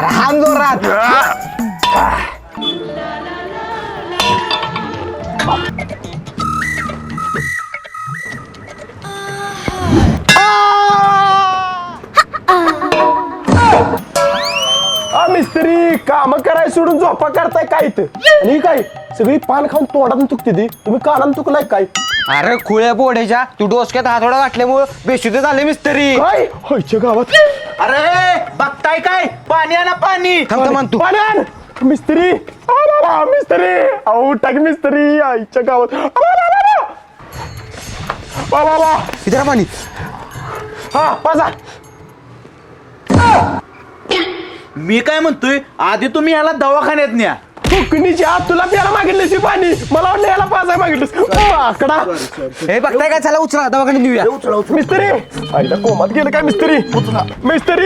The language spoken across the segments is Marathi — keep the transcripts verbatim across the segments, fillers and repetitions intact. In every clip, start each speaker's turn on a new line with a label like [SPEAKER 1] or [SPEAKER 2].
[SPEAKER 1] अरे हान जोरात.
[SPEAKER 2] मिस्त्री काम कराय सोडून झोपा करताय काय इथं आणि काय सगळी पान खाऊन तोंडातून चुकते ती तुम्ही कानान चुकलाय काय
[SPEAKER 1] अरे खुळ्या बोड्याच्या तू डोसक्यात हातोडा घातल्यामुळे बेशुद्ध झाले मिस्त्री.
[SPEAKER 2] काय होयच्या गावात
[SPEAKER 3] अरे बघताय काय पाणी आणा पाणी.
[SPEAKER 1] थांब थांब तू
[SPEAKER 2] पाणी आण. मिस्त्री आ बाबा, मिस्त्री अहो टाक मिस्त्री आईच्या गावात आ बाबा, बाबा. बाबा
[SPEAKER 1] इधर पाणी.
[SPEAKER 2] हा पाजा.
[SPEAKER 3] मी काय म्हणतोय आधी तुम्ही याला दवाखान्यात न्या.
[SPEAKER 2] फुकणीची आत तुला प्यायला मागितलीस पाणी मला वाटलं याला पाजाय मागितलीस आकडा.
[SPEAKER 1] हे बघताय काय चला उचला दवाखान्यात नेऊया.
[SPEAKER 2] मिस्त्री आईला कोमात गेलं काय मिस्त्री मिस्त्री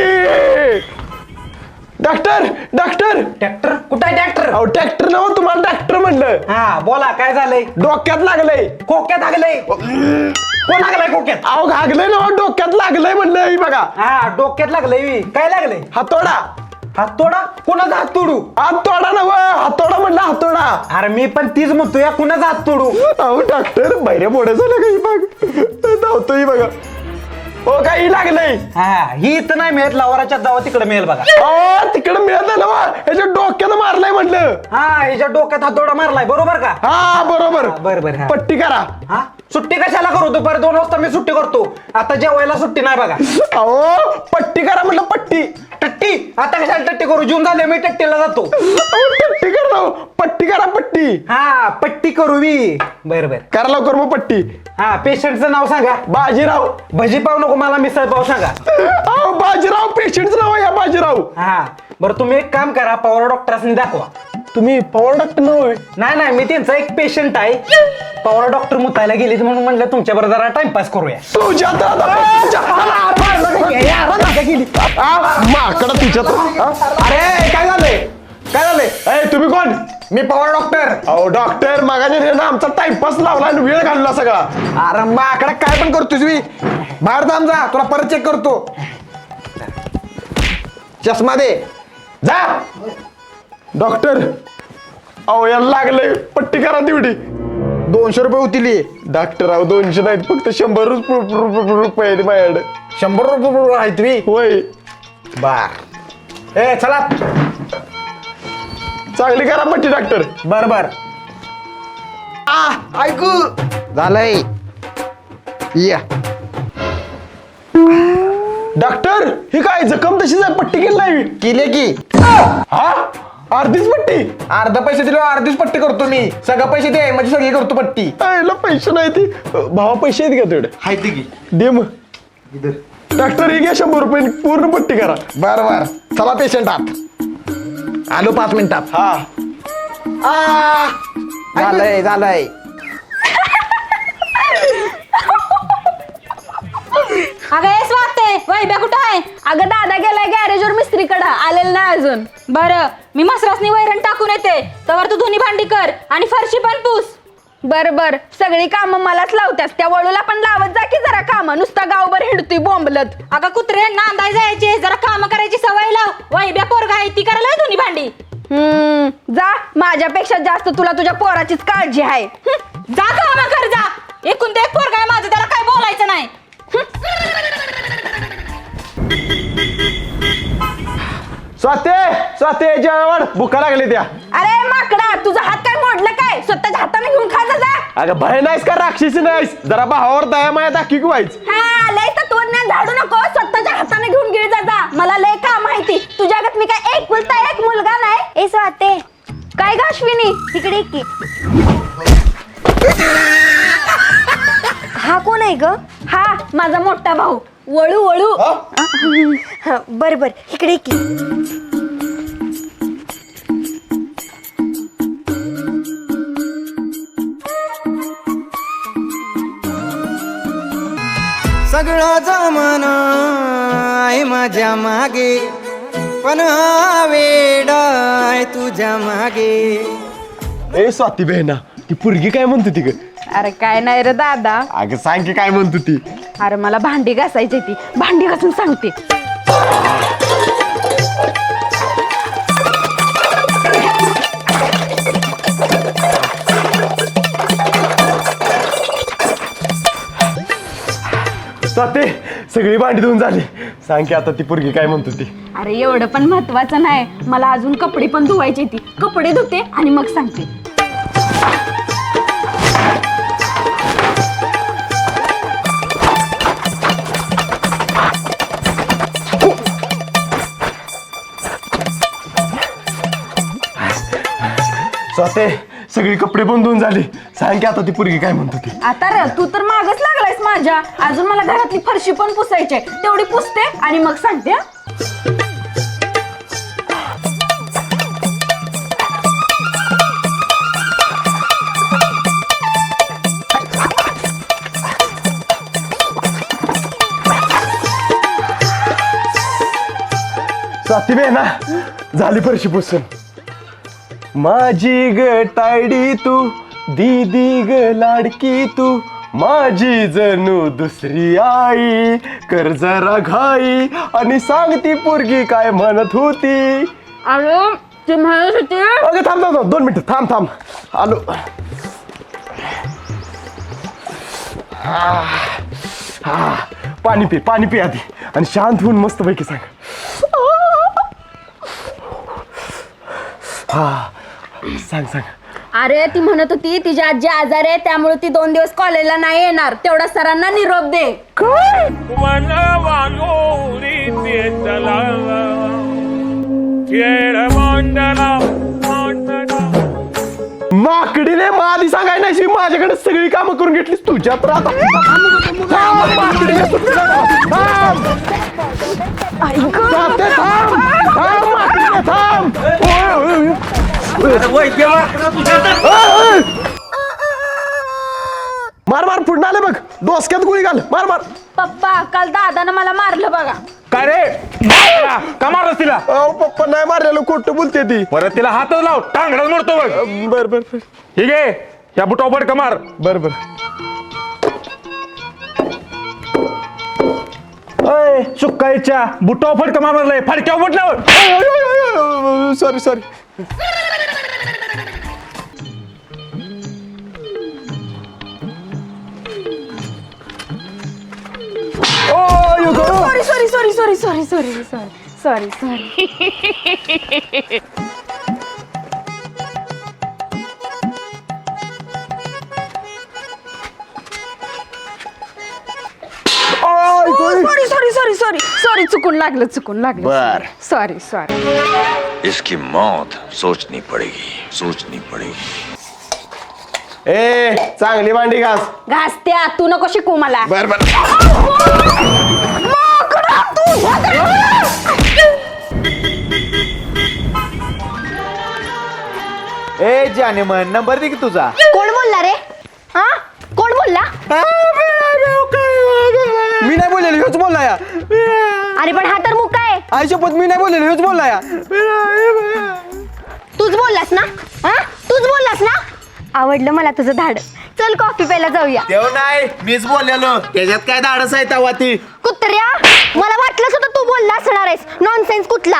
[SPEAKER 2] डॉक्टर डॉक्टर
[SPEAKER 3] ट्रॅक्टर कुठं आहे ट्रॅक्टर.
[SPEAKER 2] अहो ट्रॅक्टर ना तुम्हाला डॉक्टर म्हणलं
[SPEAKER 3] हा बोला काय झालंय.
[SPEAKER 2] डोक्यात लागलंय
[SPEAKER 3] खोक्यात लागलंय. कोण लागलाय खोक्यात.
[SPEAKER 2] अहो घागलंय ना डोक्यात लागलंय म्हणलं ही बघा
[SPEAKER 3] हा डोक्यात लागलंय. काय लागलंय.
[SPEAKER 2] हातोडा
[SPEAKER 3] हात तोडा. कोणाचा हात तोडू.
[SPEAKER 2] हातोडा ना हातोडा म्हणलं हातोडा.
[SPEAKER 3] अरे मी पण तीच म्हणतोय कुणाचा हात तोडू.
[SPEAKER 2] अहो डॉक्टर बैऱ्या मोठ्या झालं काही बघ धावतोय बघा हो काही लागलंय.
[SPEAKER 3] हा ही इथं नाही मिळत लवाराच्या जावा तिकडे मिळेल बघा.
[SPEAKER 2] अहो तिकडं मिळत ना वा याच्या डोक्यानं मारलंय म्हणलं.
[SPEAKER 3] हा हिच्या डोक्यात हात तोडा मारलाय बरोबर का.
[SPEAKER 2] हा बरोबर
[SPEAKER 3] बर बर हा.
[SPEAKER 2] पट्टी करा.
[SPEAKER 3] हा सुट्टी कशाला करू दुपारी दोन वाजता मी सुट्टी करतो. आता जेवायला सुट्टी नाही बघा.
[SPEAKER 2] अहो पट्टी करा म्हटलं पट्टी.
[SPEAKER 3] टट्टी आता कशाला टट्टी करू. जून झाले मी टट्टीला जातो.
[SPEAKER 2] अहो पट्टी करा राव. पट्टी करा पट्टी.
[SPEAKER 3] हा पट्टी करू मी. बर बर
[SPEAKER 2] करा लवकर मग पट्टी.
[SPEAKER 3] हा पेशंटचं नाव सांगा.
[SPEAKER 2] बाजीराव.
[SPEAKER 3] भजी पाव नको मला मिसळ पाव सांगा.
[SPEAKER 2] अहो बाजीराव पेशंटचं नाव आहे या बाजीराव.
[SPEAKER 3] हा बरं तुम्ही एक काम करा पवार डॉक्टरांनी दाखवा.
[SPEAKER 2] तुम्ही पवार डॉक्टर नाव आहे.
[SPEAKER 3] नाही नाही मी त्यांचा एक पेशंट आहे. पवार डॉक्टर मुतायला गेलीत म्हणून म्हणलं तुमच्या बरोबर जरा टाइमपास करूया.
[SPEAKER 2] तुझ्या माकडा तुझ्यात.
[SPEAKER 3] अरे काय झालंय काय झालंय.
[SPEAKER 2] ए तुम्ही कोण.
[SPEAKER 3] मी पवार डॉक्टर.
[SPEAKER 2] अहो डॉक्टर मागाने रे ना आमचा टाइमपास लावला आणि वेळ घालला सगळा.
[SPEAKER 1] अरे माकडा काय पण करतोस मी. बाहेर थांब जा तुला परत चेक करतो. चष्मा दे
[SPEAKER 2] जा डॉक्टर. अहो याला लागलंय पट्टी करा तेवढी.
[SPEAKER 1] दोनशे रुपये होतील.
[SPEAKER 2] डॉक्टर अहो दोनशे नाहीत फक्त शंभर रुपये आहेत माझ्याकडे.
[SPEAKER 1] शंभर रुपये आहे तुम्ही.
[SPEAKER 2] होय
[SPEAKER 1] बर ए चला
[SPEAKER 2] चांगली करा पट्टी डॉक्टर.
[SPEAKER 3] बर बर
[SPEAKER 1] आ ऐकू झालंय या.
[SPEAKER 2] डॉक्टर हे काय जखम तशीच आहे पट्टी केली नाही.
[SPEAKER 1] केले की
[SPEAKER 2] हा अर्धीच पट्टी.
[SPEAKER 1] अर्धा पैसे दिले अर्धीच पट्टी करतो मी. सगळं पैसे दे म्हणजे सगळी करतो पट्टी.
[SPEAKER 2] आईला पैसे नाही ती भावा पैसे आहेत का तेवढे.
[SPEAKER 1] हाय ते की
[SPEAKER 2] दे मग डॉक्टर हे घ्या शंभर रुपये पूर्ण पट्टी करा.
[SPEAKER 1] बर बर चला पेशंट आत आलो पाच मिनिटात.
[SPEAKER 2] हा
[SPEAKER 1] आ झालंय झालंय.
[SPEAKER 4] अगं हेच वाटते वैभ्या कुठं आहे. अगं दादा गेलाय गॅरेजवर मिस्त्रीकडं आलेलं नाही अजून. बरं मी मसरासनी वैरण टाकून येते तर तू धुनी भांडी कर आणि फरशी पण पुस. बर बर सगळी कामं मलाच लावत्यास. त्या वळूला पण लावत जा की जरा काम. नुसता गावभर हिंडतोय बोंबलत. अगं कुत्रे नांदाय जायचे जरा काम करायची सवय लाव. वैभ्या पोरगा आहे ती करायला धुनी भांडी. हम्म जा माझ्यापेक्षा जास्त तुला तुझ्या पोराचीच काळजी आहे. जा काम कर जा. एकूण ते एक पोरगा आहे माझं त्याला काय बोलायचं नाही.
[SPEAKER 2] स्वाते स्वाते जेवण भुका लागली त्या.
[SPEAKER 4] अरे माकडा तुझा हात काय मोडलं काय. स्वतःच्या हाताने घेऊन खा जा.
[SPEAKER 2] अगं भय नाहीस का राक्षसी नाहीस जरा भावावर दया माया दाखी व्हायच.
[SPEAKER 4] हा लय तत्वज्ञान झाडू नको. स्वतःच्या हाताने घेऊन गिळ जा जा. मला लय काम माहिती तुझ्यागत मी काय एक कुलता एक मुलगा नाही. ए स्वाते काय ग अश्विनी तिकडे की. हा कोण आहे ग. हा माझा मोठा भाऊ वळू वळू. बर बर इकडे की.
[SPEAKER 5] सगळा जमाना आहे माझ्या मागे पण हा वेडा आहे तुझ्या मागे.
[SPEAKER 2] ए स्वाती बहिणा ती पुरगी काय म्हणतो ती ग.
[SPEAKER 4] अरे काय नाही रे दादा.
[SPEAKER 2] अगं सांग की काय म्हणतो ती.
[SPEAKER 4] अरे मला भांडी घासायची ती भांडी घासून सांगते.
[SPEAKER 2] स्वाते सगळी भांडी धुवून झाली. सांग की आता ती पोरगी काय म्हणत होती.
[SPEAKER 4] अरे एवढं पण महत्वाचं नाही, मला अजून कपडे पण धुवायचे ती. कपडे धुते आणि मग सांगते.
[SPEAKER 2] स्वाते सगळी कपडे पण धुवून झाली. सांग की आता ती पोरगी काय म्हणत होती.
[SPEAKER 4] आता र तू तर मागच लागलायस माझ्या. अजून मला घरातली फरशी पण पुसायची, तेवढी पुसते आणि मग सांगते. हा?
[SPEAKER 2] स्वाती बे ना झाली फरशी पुसून. माझी ग तायडी तू दीदी ग लाडकी तू माझी जणू दुसरी आई. कर जरा घाई आणि सांग ती पोरगी काय म्हणत होती.
[SPEAKER 4] अरे ते म्हणत होते.
[SPEAKER 2] अगं थांब थांब थांब, दोन मिनिटं थांब थांब आलो. हा, हा, पाणी पी पाणी पी आधी आणि शांत होऊन मस्त पैकी सांग. हा सांग सांग.
[SPEAKER 4] अरे ती म्हणत होती तिची आजी आजार आहे, त्यामुळे ती दोन दिवस कॉलेजला नाही येणार. तेवढा सरांना निरोप दे.
[SPEAKER 2] माकडीने मादी सांगाय नाही माझ्याकडे सगळी कामं करून घेतलीस तुझ्या तर आता. थांब, माकडीने सुट्टीला थांब. जाते, थांब. थांब, माकडीने, थांब. ओय, ओय, ओय. मार मार पुढे आले बघ. डोसक्यात गोळी घाल. मार मार.
[SPEAKER 4] पप्पा काल दादानं मला मारलं बघा.
[SPEAKER 6] काय रे का मारस तिला.
[SPEAKER 2] अहो पप्पा नाही मारलेलं, खोटं बोलते ती.
[SPEAKER 6] परत तिला हातच लाव, टांगडाच मोडतो बघ.
[SPEAKER 2] बर बर बर
[SPEAKER 6] ठीक आहे, या बुटावर का मार.
[SPEAKER 2] बर बर.
[SPEAKER 6] अय सुकायच्या बुटावर फडका मारलाय. फडक्यावर म्हटल्यावर
[SPEAKER 2] sorry sorry.
[SPEAKER 4] Sorry sorry sorry sorry sorry sorry sorry sorry sorry. Sorry sorry sorry sorry sorry चुकून लागलं चुकून लागलं.
[SPEAKER 2] बर.
[SPEAKER 4] Sorry sorry.
[SPEAKER 7] इसकी मौत सोचनी पड़ेगी सोचनी पड़ेगी.
[SPEAKER 2] ए चांगली भांडी घास.
[SPEAKER 4] घासत्या तू नको शिकू मला.
[SPEAKER 2] बर बर.
[SPEAKER 1] ए जाने मन नंबर दे की तुझा.
[SPEAKER 4] कोण बोलला रे. हा कोण बोलला.
[SPEAKER 1] मी नाही बोललेलो, ह्योच बोलला या.
[SPEAKER 4] अरे पण हा तर मुका आहे.
[SPEAKER 1] आई शपथ मी नाही बोललेलो, ह्योच बोलला या.
[SPEAKER 4] तूच बोललास ना. हा तूच बोललास ना. आवडलं मला तुझं धाड. चल कॉफी प्यायला जाऊया.
[SPEAKER 1] तेव्हा नाही मीच बोललेलो, त्याच्यात काय धाडस आहे तवा ती.
[SPEAKER 4] कुत्र्या मला वाटलंच होतं तू बोलला असणार आहेस. नॉनसेन्स कुठला.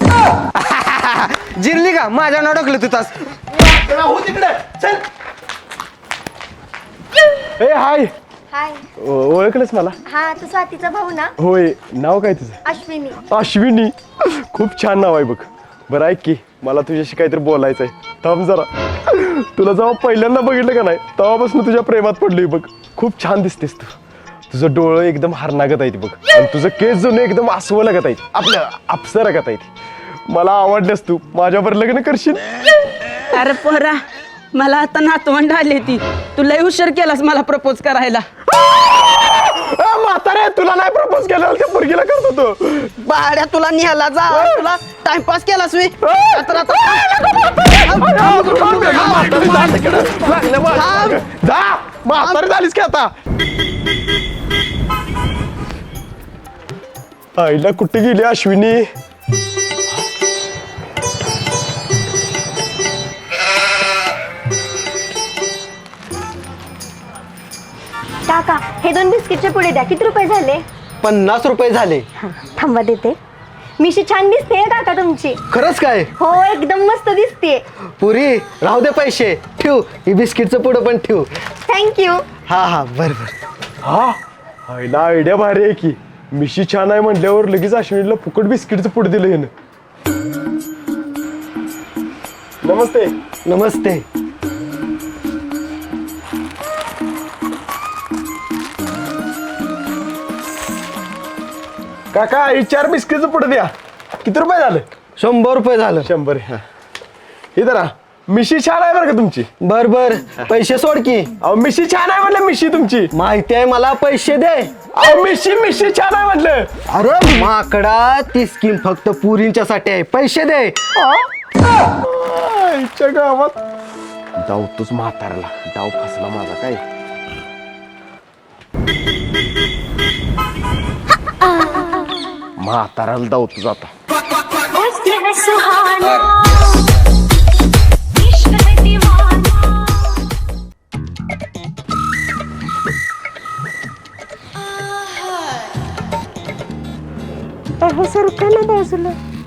[SPEAKER 1] जिरली का माझ्या नाव टाकलं तू तास.
[SPEAKER 2] हो तिकडे चल. ए हाय.
[SPEAKER 8] हाय.
[SPEAKER 2] ओळखलंस मला.
[SPEAKER 8] हा तू स्वातीचा भाऊ ना.
[SPEAKER 2] होय. नाव काय तुझं.
[SPEAKER 8] अश्विनी.
[SPEAKER 2] अश्विनी. खूप छान नाव आहे बघ. बरं ऐक की मला तुझ्याशी काहीतरी बोलायचं आहे. थांब जरा. तुला जेव्हा पहिल्यांदा बघितलं का नाही तेव्हापासून तुझ्या प्रेमात पडलोय बघ. खूप छान दिसतेस तू. तुझं डोळं एकदम हरणागत आहेत बघ आणि तुझं केस जणू एकदम आसवं लागत आहेत. आपल्या अप्सरा लागत आहेत. मला आवडलेस तू. माझ्यावर लग्न करशील.
[SPEAKER 9] अरे पोरा मला आता नातवंड आली ती. तू लय हुशार केलास मला प्रपोज करायला.
[SPEAKER 2] म्हातारे तुला नाही प्रपोज केलं त्या पोरगीला करत होतो.
[SPEAKER 9] बाड्या तुला निघाला जा. तुला टाइमपास केलास मी.
[SPEAKER 2] जा म्हातारे झालीस की आता. आईला कुठे गेली अश्विनी.
[SPEAKER 8] काका हे दोन बिस्किटचे पुढे द्या. किती रुपये झाले.
[SPEAKER 1] पन्नास रुपये झाले.
[SPEAKER 8] थांबा देते. मिशी छान दिसते काका तुमची.
[SPEAKER 1] खरंच काय.
[SPEAKER 8] हो एकदम मस्त दिसते.
[SPEAKER 1] पुरी राहू दे पैसे ठेव. ही बिस्किटचं पुढं पण ठेव.
[SPEAKER 8] थँक्यू.
[SPEAKER 1] हा हा बर बर.
[SPEAKER 2] हा हायला आयडिया भारी आहे की. मिशी छान आहे म्हटल्यावर लगेच अश्विनीला फुकट बिस्किटचं पुढे दिलं यानं. नमस्ते.
[SPEAKER 1] नमस्ते.
[SPEAKER 2] काका ही चार बिस्किटचं पुढे द्या. किती रुपये झाले?
[SPEAKER 1] शंभर रुपये झालं.
[SPEAKER 2] शंभर. हा हे जरा मिशी छान आहे बरं का तुमची.
[SPEAKER 1] बर बर पैसे सोड की.
[SPEAKER 2] अहो मिशी छान आहे म्हटलं. मिशी तुमची
[SPEAKER 1] माहिती आहे मला, पैसे दे.
[SPEAKER 2] अहो मिशी मिशी छान आहे म्हटलं.
[SPEAKER 1] अरे माकडा, ती स्कीम फक्त पुरींच्यासाठी आहे, पैसे दे.
[SPEAKER 2] आईच्या गावात जाऊ तूच म्हातारला. डाव फसला माझा काय. म्हाताराला जाऊ तुझा आता.
[SPEAKER 8] अहो सरका ना बाजूला.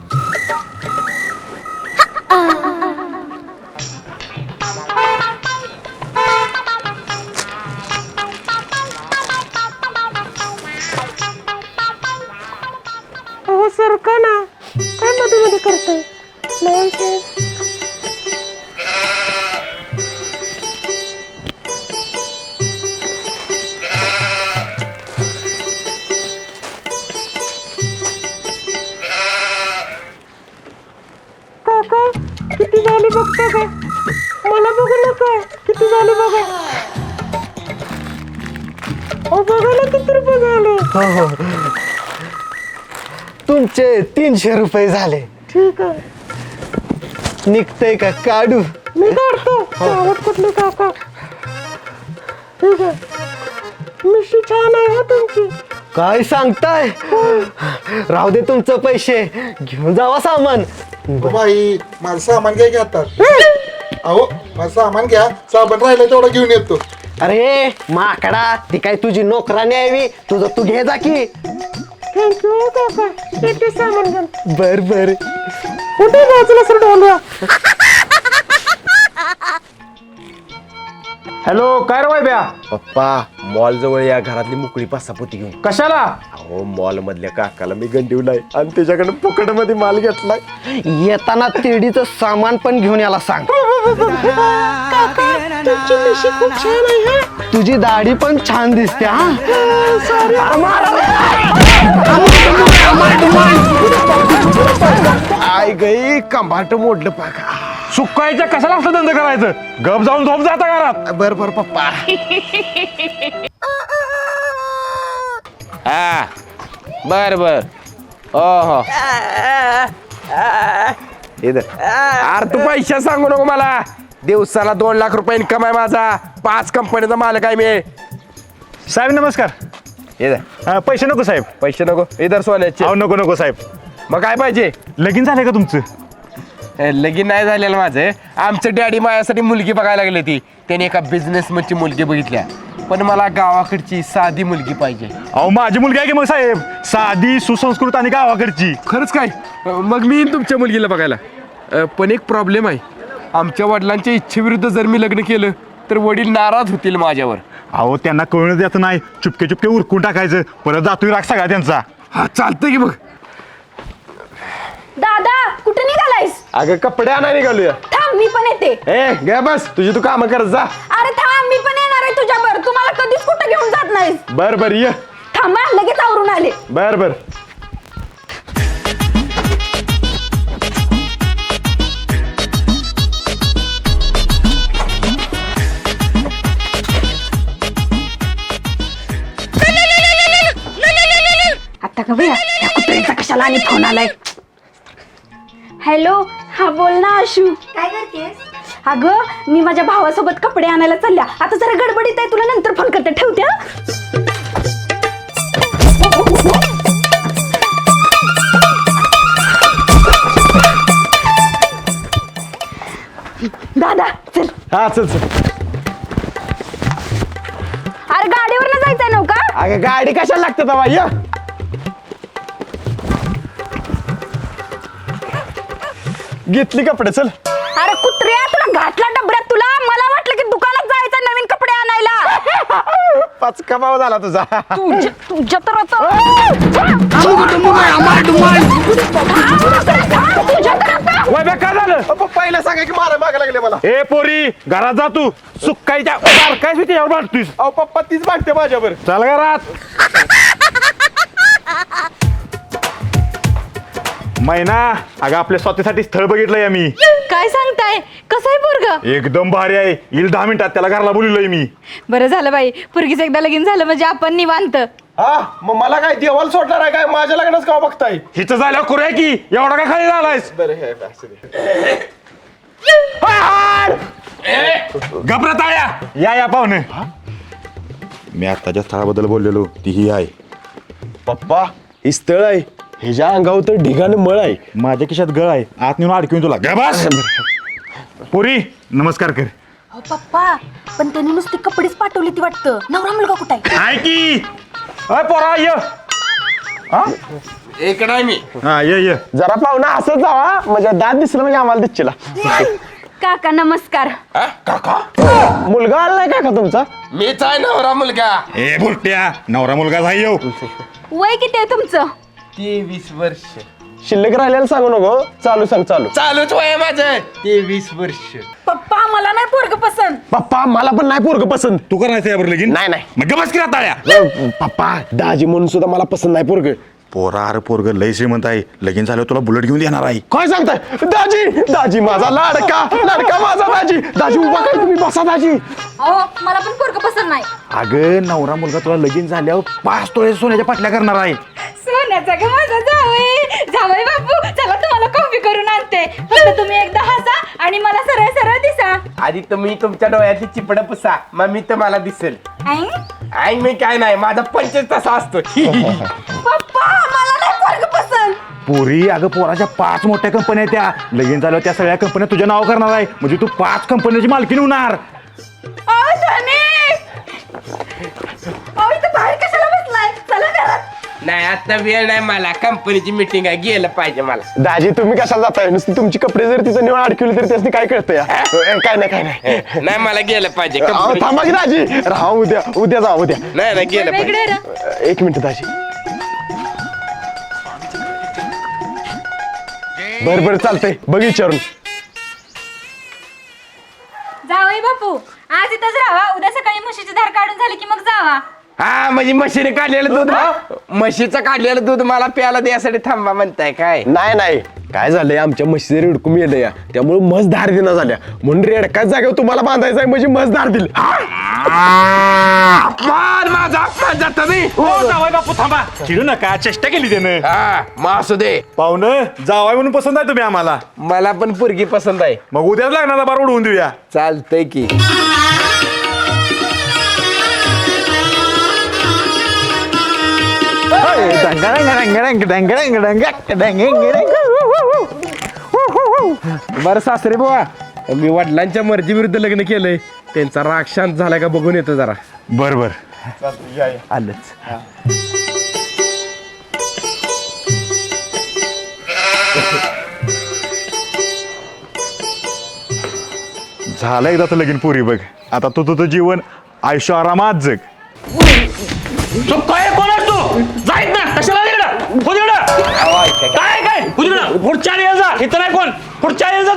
[SPEAKER 8] अहो सरका ना, काय मध्ये मध्ये करताय? नाही काका किती झाली बघता का? मला बघू नका. किती झाली बघा. अहो बघा ना किती रुपये झाले.
[SPEAKER 1] हो हो, तुमचे तीनशे रुपये झाले.
[SPEAKER 8] ठीक आहे.
[SPEAKER 1] निघतंय का काढू?
[SPEAKER 8] मी काढतो. गावात कुठली काका. ठीक आहे. मिशी छान आहे हा तुमची.
[SPEAKER 1] काय सांगताय? राहू दे तुमचं पैसे, घेऊन जावा सामान.
[SPEAKER 10] बाई माझं सामान घ्या की आता. अहो माझं सामान घ्या. साबण राहिलं तेवढं घेऊन येतो.
[SPEAKER 1] अरे माकडा, ती काय तुझी नोकरानी यावी? तुझं तू घे जा की.
[SPEAKER 8] थँक्यू काका. येते सामान घेऊन.
[SPEAKER 1] बर बर.
[SPEAKER 8] कुठे बाजूला सर डोलवा.
[SPEAKER 6] हॅलो, काय रे वैब्या?
[SPEAKER 2] पप्पा मॉल जवळ या घरातली मोकळी पासापोती घेऊन.
[SPEAKER 6] कशाला?
[SPEAKER 2] अहो मॉल मधल्या काकाला मी गंडीवलाय आणि त्याच्याकडे फुकट मध्ये माल घेतलाय.
[SPEAKER 1] येताना तिडीचं सामान पण घेऊन याला सांग.
[SPEAKER 8] तुमची मिशी खूप छान आहे हा.
[SPEAKER 1] तुझी दाढी पण छान दिसते. हा
[SPEAKER 2] आय गई कंबाट मोडलं पाका.
[SPEAKER 6] सुकायच्या कशाला असलं धंदा करायचं? गप जाऊन झोप जाता घरात.
[SPEAKER 2] बर बर पप्पा.
[SPEAKER 11] हा बर बर. हो हो. अरे तू पैसे सांगू नको मला. दिवसाला दोन लाख रुपये इन्कम आहे माझा. पाच कंपनीचा मालक आहे मी.
[SPEAKER 6] साहेब नमस्कार. हा, पैसे नको साहेब.
[SPEAKER 11] पैसे नको इधर सोन्याचे.
[SPEAKER 6] अहो नको नको साहेब.
[SPEAKER 11] मग काय पाहिजे?
[SPEAKER 6] लगीन झालंय का तुमचं?
[SPEAKER 11] ए, लगीन नाही झालेलं माझं. आमचं डॅडी माझ्यासाठी मुलगी बघायला लागली ती. त्याने एका बिझनेसमनची मुलगी बघितल्या, पण मला गावाकडची साधी मुलगी पाहिजे.
[SPEAKER 6] अहो माझी मुलगी आहे की मग साहेब, साधी सुसंस्कृत आणि गावाकडची.
[SPEAKER 11] खरंच काय? मग मी येईन तुमच्या मुलगीला बघायला. अ, पण एक प्रॉब्लेम आहे. आमच्या वडिलांच्या इच्छेविरुद्ध जर मी लग्न केलं तर वडील नाराज होतील माझ्यावर.
[SPEAKER 6] अहो त्यांना कळून द्यायचं नाही, चुपके चुपके उरकून टाकायचं. परत जातोय राग सगळा त्यांचा.
[SPEAKER 11] हा चालतंय की. बघ
[SPEAKER 4] दादा कुठे निघालायस?
[SPEAKER 2] अगं कपडे आणायला निघालूया.
[SPEAKER 4] थांब मी पण येते.
[SPEAKER 2] ए गे बस, तुझी तू काम करत जा.
[SPEAKER 4] अरे थांब, मी पण येणार आहे तुझ्यावर. तुम्हाला कधीच कुठं घेऊन जात नाहीस.
[SPEAKER 2] बर बर ये.
[SPEAKER 4] थांबा, लगेच आवरून आले.
[SPEAKER 2] बर बर.
[SPEAKER 4] आता का भैया या कुत्र्याचा कशाला आणि फोन आलाय? हॅलो, हा बोल ना आशू.
[SPEAKER 8] काय करतेस?
[SPEAKER 4] अगं मी माझ्या भावासोबत कपडे आणायला चालल्या. आता जरा गडबडीत आहे, तुला नंतर फोन करते. ठेवते हा. दादा चल.
[SPEAKER 2] हा चल चल.
[SPEAKER 4] अरे गाडीवर ना जायचंय नव्हता?
[SPEAKER 2] अगं गाडी कशाला लागते बाबा? ये घेतली कपडे चल.
[SPEAKER 4] अरे कुत्र्या, तुला घातला डबऱ्यात. तुला मला वाटलं की दुकानात जायचं नवीन कपडे आणायला.
[SPEAKER 2] पाचका भाव झाला तुझा
[SPEAKER 4] तुझ्या तुझ्या तर आता
[SPEAKER 6] वैभ्या काय झालं
[SPEAKER 2] पहिला सांगा की मारा मागा लागले मला
[SPEAKER 6] ए पोरी घरात जा तू सुकायच्या बारकायच मी त्याच्यावर भांडतोयस
[SPEAKER 2] अहो पप्पा तीच भांडते माझ्यावर
[SPEAKER 6] चल घरात मैना अगं आपल्या स्वतःसाठी स्थळ बघितलंय आम्ही
[SPEAKER 4] काय सांगताय कसं आहे पोरग
[SPEAKER 6] एकदम भारी आहे येईल दहा मिनिटात त्याला घरला बोललोय मी
[SPEAKER 4] बरं झालं बाई पोरगीच एकदा लगीन झालं म्हणजे आपण निवांत
[SPEAKER 2] हा मग मला काय देवाला सोडणार आहे काय माझ्या लग्नच का बघताय
[SPEAKER 6] हिचं झाल्यावर करूया की एवढा काय खाली झालायस घबरत आया या या पाहुणे मी आत्ताच्या स्थळाबद्दल बोललेलो ती ही आहे
[SPEAKER 2] पप्पा ही स्थळ आहे ह्याच्या अंगावर तर ढिगाने मळ आहे
[SPEAKER 6] माझ्या खिशात गळ आहे आत नेऊन अडकून तुला गा बस पुरी नमस्कार कर
[SPEAKER 4] हो पप्पा पण त्यांनी नुसती कपडेच पाठवली ती वाटतं नवरा मुलगा कुठं आहे
[SPEAKER 6] आहे की अय पोरा ये हा
[SPEAKER 11] इकडं आहे मी
[SPEAKER 6] हा ये ये
[SPEAKER 2] जरा पाहुणा असं जावा म्हणजे दात दिसलं म्हणजे आम्हाला दिसला
[SPEAKER 4] काका नमस्कार
[SPEAKER 2] मुलगा आला नाही काका तुमचा
[SPEAKER 11] मीच आहे नवरा मुलगा
[SPEAKER 6] ए बुरट्या नवरा मुलगा झाय येऊ
[SPEAKER 4] वय किती आहे तुमचं
[SPEAKER 11] तेवीस वर्ष
[SPEAKER 2] शिल्लक राहिलेलं सांगू नको चालू सांग चालू
[SPEAKER 11] चालूच वय माझं तेवीस वर्ष
[SPEAKER 4] पप्पा मला नाही पोरग पसंत
[SPEAKER 2] पप्पा मला पण नाही पोरग पसंत
[SPEAKER 6] तू करायचं यावर लगीन
[SPEAKER 2] नाही नाही
[SPEAKER 6] मग गबस की ताळ्या
[SPEAKER 2] पप्पा दाजी म्हणून सुद्धा मला पसंत नाही पोरग
[SPEAKER 6] पोरा अरे पोरग लय श्रीमंत आहे लगीन झाल्यावर तुला बुलेट घेऊन देणार आहे
[SPEAKER 2] काय सांगताय दाजी दाजी माझा लाडका लाडका माझा दाजी दाजी उभा काय तुम्ही बसा दाजी
[SPEAKER 4] अहो मला पण पोरग पसंत नाही
[SPEAKER 6] अगं नवरा मुलगा तुला लगीन झाल्यावर पाच तोळे सोन्याच्या पाटल्या करणार आहे
[SPEAKER 4] सोन्याचा का माझा जावई जावई बापू चला तुम्हाला कॉफी करून आणते फक्त तुम्ही एकदा हसा आणि मला सरळ सरळ दिसा
[SPEAKER 11] आधी तुम्ही तुमच्या डोळ्याची चिपड पुसा मग मी तुम्हाला दिसेल
[SPEAKER 4] आई?
[SPEAKER 11] आई मी काय नाही माझा पंचच तसा असतो
[SPEAKER 4] पप्पा मला नाही पोरग पसंत
[SPEAKER 6] पोरी अगं पोराच्या पाच मोठ्या कंपन्या आहेत त्या लगीन झाल्यावर त्या सगळ्या कंपन्या तुझ्या नाव करणार आहे म्हणजे तू पाच कंपन्याची मालकीण होणार
[SPEAKER 4] अहो धनिक अहो इथं बाहेर कशाला बसलाय चला घरात
[SPEAKER 11] नाही आता वेळ नाही मला कंपनीची मीटिंग आहे गेलं पाहिजे मला
[SPEAKER 2] दाजी तुम्ही कशाला जाताय नुसती तुमची कपडे जर तिचं निवड अडकवली तरी त्याची काय कळतं या काय नाही काय नाही
[SPEAKER 11] नाही मला गेलं पाहिजे
[SPEAKER 2] अहो,
[SPEAKER 11] company-
[SPEAKER 2] थांबा की दाजी राहा उद्या उद्या जा उद्या
[SPEAKER 11] नाही नाही गेलं पाहिजे
[SPEAKER 4] वेगळे रा
[SPEAKER 2] एक मिनिट दाजी बर बर चालतंय बघ विचारून
[SPEAKER 4] जावई बापू आज इथंच राहा उद्या सकाळी म्हशीची धार काढून झाली की मग जावा
[SPEAKER 11] हा म्हणजे म्हशीने काढलेलं दूध म्हशीचं काढलेलं दूध मला प्यायला द्यासाठी थांबा म्हणताय काय
[SPEAKER 2] नाही नाही काय झालंय आमच्या म्हशीचे रेडकून येलं या त्यामुळे म्हस धार दिना झाल्या म्हणून रेडकाच जागेवर तुम्हाला बांधायचं आहे म्हणजे म्हस धार दिली
[SPEAKER 11] अपमान माझा अपमान जाता मी
[SPEAKER 6] हो जावाय बापू थांबा चिडू नका चेष्टा केली त्यानं
[SPEAKER 11] हा मग असू दे
[SPEAKER 6] पाहुणं जावाय म्हणून पसंत आहे तुम्ही आम्हाला
[SPEAKER 11] मला पण पोरगी पसंत आहे
[SPEAKER 6] मग उद्याच लागणार बार उडवून देऊया
[SPEAKER 11] चालतंय की बरं सासरे बुवा मी वडिलांच्या मर्जी विरुद्ध लग्न केलंय त्यांचा राग शांत झाला का बघून येतो जरा
[SPEAKER 6] बर बर
[SPEAKER 11] आलंच
[SPEAKER 6] झालं एकदा तर लगीन पुरी बघ आता तू तुझं जीवन आयुष्य आरामात जग
[SPEAKER 3] काय कोण तू जाईत ना कशाला तिकडं हो तिकडं काय काय हो तिकडं पुढच्या येईल जा इथं नाही कोण पुढच्या येईल जा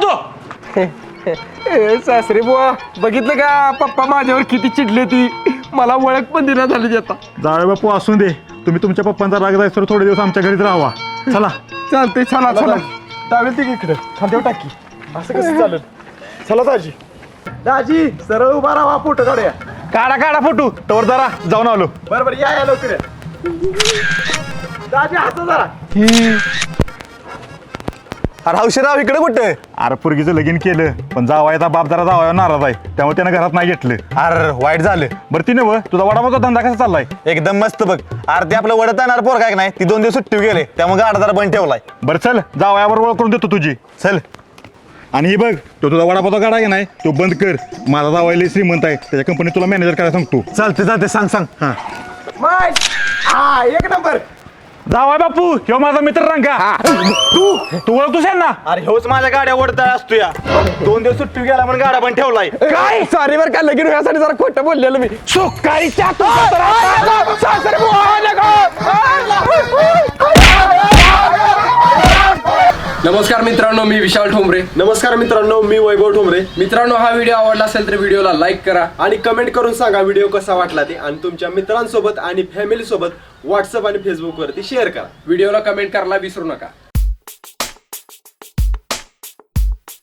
[SPEAKER 3] तू
[SPEAKER 11] सासरे बुवा बघितलं का पप्पा माझ्यावर किती चिडले ती मला ओळख पण दिला झाली आता
[SPEAKER 6] जावे बापू असून दे तुम्ही तुमच्या पप्पांचा राग जायचं थोडे दिवस आमच्या घरीच राहावा चला
[SPEAKER 11] चालतंय चला चला
[SPEAKER 2] टावेल ती इकडे खांद्यावर टाकी असं कसं चालेल चला दाजी दाजी सरळ उभा राहा फोटो काढूया
[SPEAKER 6] काढा काढा फोटो तवर जरा जाऊन आलो
[SPEAKER 2] बरं बरं या या लवकर या. दाजी हसा जरा
[SPEAKER 1] अरे हौशीराव इकडे कुठे
[SPEAKER 6] अरे पोरगीचं लगीन केलं पण जावायचा बाप जरा जावायला नाराज आहे त्यामुळे त्यानं घरात नाही घेतलं
[SPEAKER 1] अरे वाईट झालं
[SPEAKER 6] बरं ती नव तुझा वडापावचा धंदा कसा चाललाय
[SPEAKER 1] एकदम मस्त बघ अरे ते आपलं वडत येणार पोर काय नाही ती दोन दिवस सुट्टी गेले त्यामुळे गाडा जरा बंद ठेवलाय
[SPEAKER 6] बरं चल जावयावर ओळख करून देतो तुझी
[SPEAKER 1] चल
[SPEAKER 6] आणि हे बघ तो तुझा वडापावचा गाडा आहे ना तो बंद कर माझा जावायला श्रीमंत आहे त्याच्या कंपनीत तुला मॅनेजर करायला सांगतो
[SPEAKER 1] चालते चालते सांग सांग
[SPEAKER 6] हां
[SPEAKER 2] माय हा एक नंबर
[SPEAKER 6] जावाय बापू ह्यो माझा मित्र रंगा तू तू ओळखतोस यांना?
[SPEAKER 1] अरे होच माझ्या गाड्या ओढता असतो या दोन दिवस सुट्टी गेला म्हणून गाडा पण ठेवलाय.
[SPEAKER 11] काय सॉरी बरं का लगीन व्हायसाठी जरा खोटं बोललेलो मी
[SPEAKER 6] सुकाळीच्या
[SPEAKER 11] नमस्कार मित्रांनो, मी विशाल ठोंबरे.
[SPEAKER 2] नमस्कार मित्रांनो, मी वैभव ठोंबरे.
[SPEAKER 11] मित्रांनो, हा व्हिडिओ आवडला असेल तर व्हिडिओला लाईक करा
[SPEAKER 2] आणि कमेंट करून सांगा व्हिडिओ कसा वाटला ते, आणि तुमच्या मित्रांसोबत आणि फॅमिली सोबत व्हॉट्सअप आणि फेसबुक वरती शेअर करा.
[SPEAKER 11] व्हिडिओला कमेंट करायला विसरू नका.